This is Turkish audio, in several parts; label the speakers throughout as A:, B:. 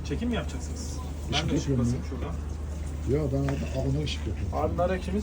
A: Çekim mi yapacaksınız? Ben
B: Işık
A: de ışık
B: yapıyorum
A: basayım şuradan.
B: Ya ben ona ışık yapıyorum.
A: Abi nar ekşimiz.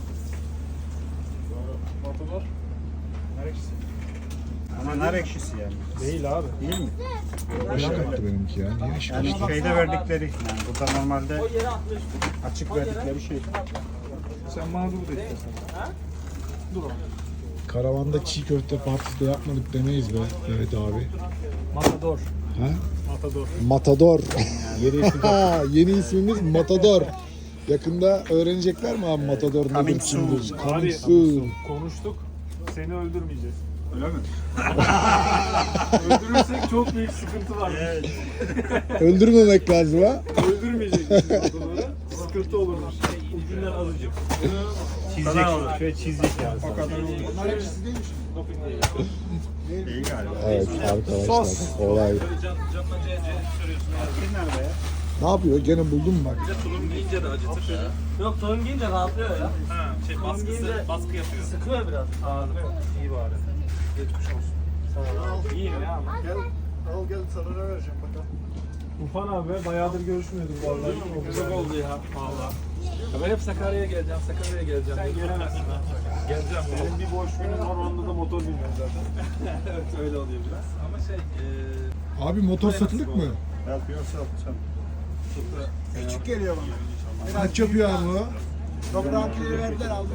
A: Matador. Nar ekşisi.
C: Ama nar ekşisi yani.
A: Değil abi.
C: Değil mi?
B: Işık yaptı benimki ya. Niye ışık
C: Yani
B: yaptı?
C: şeyde verdikleri yani burada normalde açık verdikleri şey.
A: Sen bana dur da istersen. Dur o.
B: Karavanda çiğ köfte partisi de yapmadık demeyiz be Mehmet abi.
A: Matador.
B: Ha?
A: Matador.
B: Matador. Yeni ismimiz Matador. Yakında öğrenecekler mi abi Matador nedir
C: Coming soon.
B: kimdir?
A: Abi
B: Coming soon.
A: konuştuk. Seni öldürmeyeceğiz.
C: Öyle mi?
A: Öldürürsek çok büyük sıkıntı var.
C: Evet.
B: Öldürmemek lazım ha.
A: Öldürmeyecekmişiz Matador'u. Sıkıntı olurmuş. Ucundan azıcık.
C: Çizecek.
A: Şöyle çizdik yani.
C: O kadar olur.
A: Onlar hepsi değilmiş.
C: İyi galiba.
B: Evet arkadaşlar
A: Sos.
B: olay.
C: Bir nerede ya?
B: Ne yapıyor? Gene buldun mu bak?
D: Tulum giyince de acıtır ya.
E: Yok tulum giyince rahatlıyor ya.
D: Ha, baskı yapıyor.
E: Sıkıyor biraz.
A: Anladım. İyi bari. Geçmiş olsun. Sağ ol. İyiyim ya ama.
C: Al gel sana ne vereceğim bakalım.
A: Ufan abi bayağıdır görüşmüyorduk vallahi.
D: Çok oldu ya valla. Ya ben hep Sakarya'ya geleceğim, Sakarya'ya geleceğim.
A: Sen gelemezsin ha.
D: Geleceğim.
A: Benim bir boş günüm var, onda da motor bilmiyorum zaten.
D: Evet öyle oluyor biraz. Ama
B: Abi motor satılık mı?
C: Yapıyorsa atacağım. Küçük geliyor bana.
B: Kaç yapıyor abi o?
C: Toprağınkileri verdiler aldım.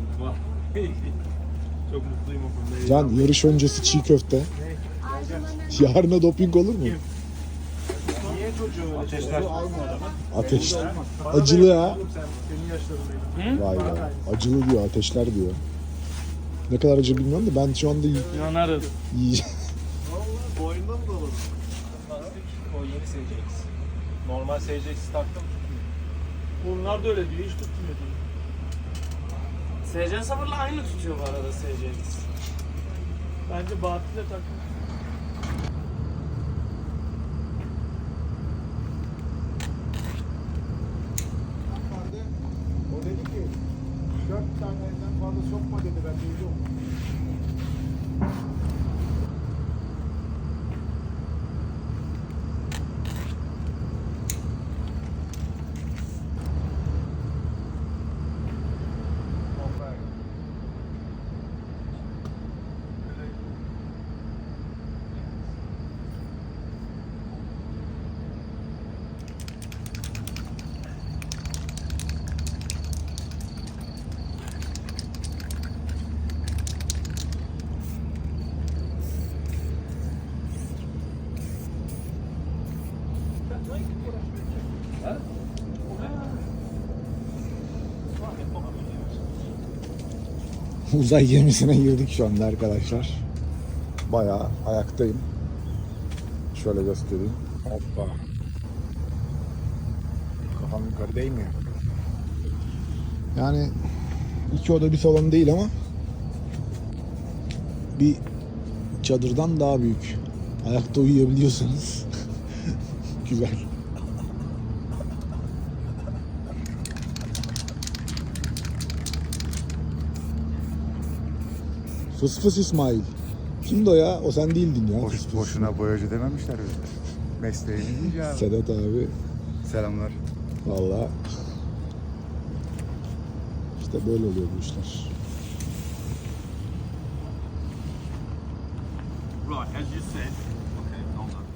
D: çok mutluyum o konuda.
B: Can yarış öncesi çiğ köfte. Yarına doping olur mu?
A: Niye çocuğu öyle
C: Ateşler.
B: Ateş. Acılı ha.
A: Sen, senin yaşlarındaydın.
B: Vay be. Acılı diyor, ateşler diyor. Ne kadar acı bilmiyorum da ben şu anda
E: Yanarız.
B: yiyeceğim.
C: Boyunda mı dolu?
D: Lastik o yeni SCX. Normal SCX taktım.
A: Bunlar da öyle diyor, hiç tutmuyor diyor.
E: SC sabırla aynı tutuyor bu arada SC'miz.
A: Bence Bahattin'e takmış.
C: O dedi ki 4 taneden fazla sokma dedi ben duydum.
B: Uzay gemisine girdik şu anda arkadaşlar. Bayağı ayaktayım. Şöyle göstereyim. Hoppa. Kafam yukarı değmiyor. Yani 2 oda bir salon değil ama bir çadırdan daha büyük. Ayakta uyuyabiliyorsanız güzel. Fıs fıs İsmail. Kimdi o ya? O sen değildin ya. Fıs fıs.
F: Boşuna boyacı dememişler bize. Mesleğini deyince abi.
B: Sedat abi.
F: Selamlar.
B: Vallahi işte böyle oluyor bu işler.
D: Right, as you said. Okay, hold on.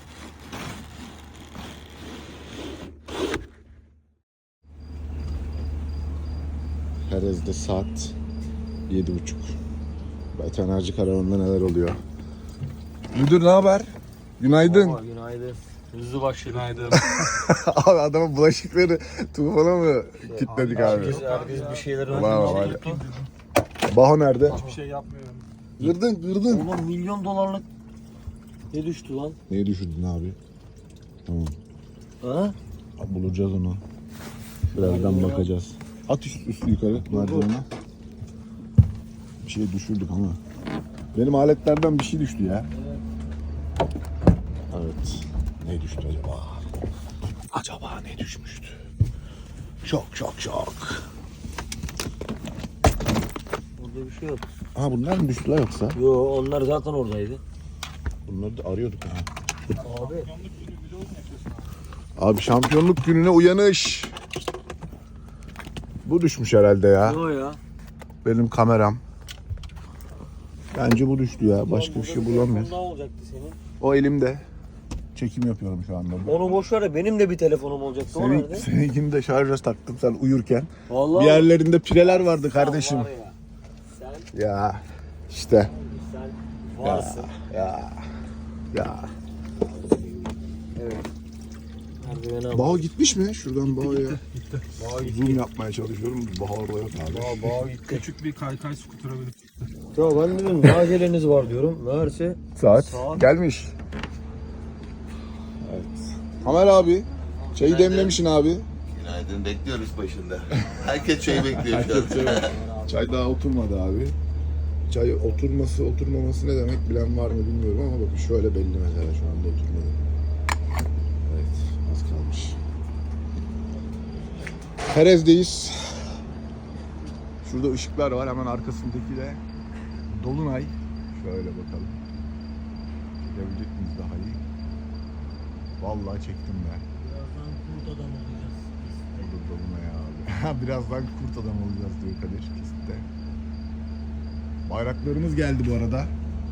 B: Perez'de saat 7.30. Veterinerci karavanında neler oluyor? Müdür ne haber? Günaydın.
E: Günaydın. Hızlı başladık. Günaydın.
B: Abi adamın bulaşıkları tufana mı kilitledik abi?
E: Herkes bir şeyler
B: Ulan var ya. Baho nerede?
A: Bir şey yapmıyorum.
B: Kırdın.
E: Oğlum milyon dolarlık ne düştü lan?
B: Neyi düşürdün abi? Tamam.
E: Ha?
B: Abi bulacağız onu. Birazdan bakacağız. At üstü yukarı merdivene. Bir şey düşürdük ama. Benim aletlerden bir şey düştü ya. Evet. Ne düştü acaba? Acaba ne düşmüştü? Şok.
E: Burada bir şey yok.
B: Ha bunlar mı düştüler yoksa?
E: Yo onlar zaten oradaydı.
B: Bunları da arıyorduk ha.
E: Abi
B: Abi şampiyonluk gününe uyanış. Bu düşmüş herhalde ya.
E: O ya.
B: Benim kameram. Bence bu düştü ya. Başka bir şey bulamıyorum.
E: Ne olacaktı senin?
B: O elimde. Çekim yapıyorum şu anda.
E: Onu boş ver de benim de bir telefonum olacaktı. O nerede?
B: Seninkini de şarja taktım sen uyurken.
E: Vallahi
B: Bir yerlerinde pireler vardı kardeşim.
E: Var ya, sen
B: Ya işte.
E: varsın.
B: Ya.
E: Evet. Merdivene
B: Bao gitmiş mi? Şuradan Bao'ya. Zoom yapmaya çalışıyorum. Bao orada yok abi.
E: Bağ gitti.
A: Küçük bir kaykay skutera binip.
E: Ya ben dedim ne aceleniz var diyorum. Meğerse
B: Saat gelmiş. Evet. Tamer abi. Çayı demlemişsin abi.
G: Günaydın, bekliyoruz başında. Herkes çayı bekliyor şu an.
B: Çay daha oturmadı abi. Çay oturmaması ne demek bilen var mı bilmiyorum ama bakın şöyle belli mesela şu anda oturmadı. Evet, az kalmış. Perez'deyiz. Şurada ışıklar var, hemen arkasındaki de Dolunay. Şöyle bakalım. Çekebilecek miyiz daha iyi? Vallahi çektim ben.
E: birazdan kurt adam olacağız.
B: Burada Dolunay abi. Birazdan kurt adam olacağız diyor Kadir pistte. Bayraklarımız geldi bu arada.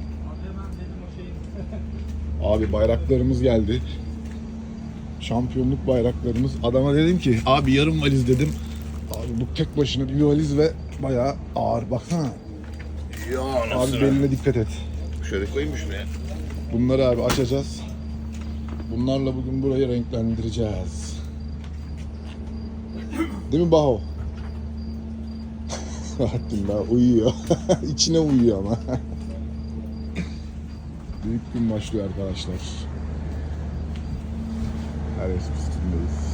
B: Abi bayraklarımız geldi. Şampiyonluk bayraklarımız. Adama dedim ki abi yarım valiz dedim. Abi bu tek başına bir valiz ve bayağı ağır. Baksana.
G: Ya
B: Abi beline dikkat et.
G: Şöyle koyayım mı şuraya?
B: Bunları abi açacağız. Bunlarla bugün burayı renklendireceğiz. Değil mi Baho? Bahattin daha uyuyor. İçine uyuyor ama. Büyük gün başlıyor arkadaşlar. Her pistindeyiz.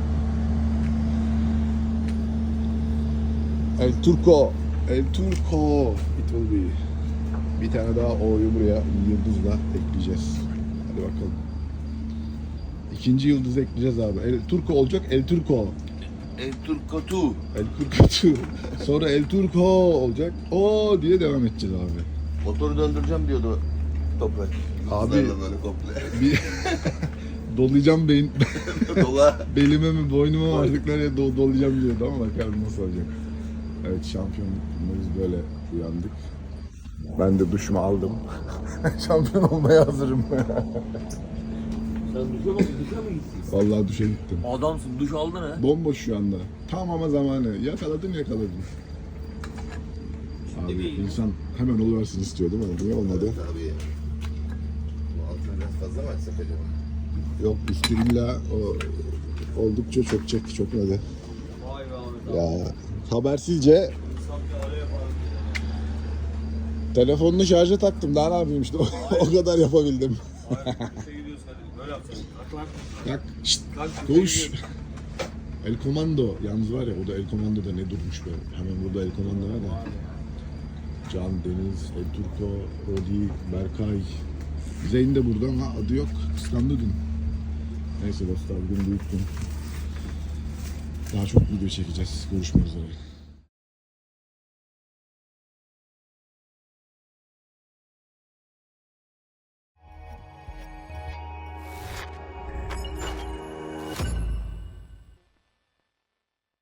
B: El Turco. El Turco. It will be. Bir tane daha O'yu buraya yıldızla ekleyeceğiz. Hadi bakalım. İkinci yıldızı ekleyeceğiz abi. El Turco olacak. El Turco.
G: El Turco tu.
B: El Turco. Sonra El Turco olacak. O diye devam edeceğiz abi.
G: Motoru döndüreceğim diyordu Toprak.
B: Abi-
G: Yıldızlarla böyle komple.
B: Bir dolayacağım
G: Dola.
B: belime mi boynuma mı artık nereye dolayacağım diyordu ama bakalım nasıl olacak. Evet şampiyonluk günümüz böyle uyandık. Ben de duşumu aldım. Şampiyon olmaya hazırım.
E: Sen duşa mı gittin?
B: Vallahi duşa gittim.
E: Adamsın duş aldın ha.
B: Bomboş şu anda. Tam ama zamanı. Yakaladım. Abi insan hemen oluversin istiyor değil mi? Niye olmadı?
G: Tabii. Bu altına biraz fazla mı açsak acaba?
B: Yok üstü illa o oldukça çok neden.
E: Vay be abi.
B: Ya habersizce telefonunu şarja taktım. Daha ne yapayım işte o kadar yapabildim.
D: Böyle yapsana.
B: Bak şşt, koş. El Komando. Yalnız var ya o da El Komando'da ne durmuş be. Hemen burada El Komando var ya. Can, Deniz, El Turco, Rodi, Berkay. Zeyn de burada ama adı yok. Kıskandı dün. Neyse dostlar bugün büyük gün. Daha çok video çekeceğiz. Görüşmek üzere.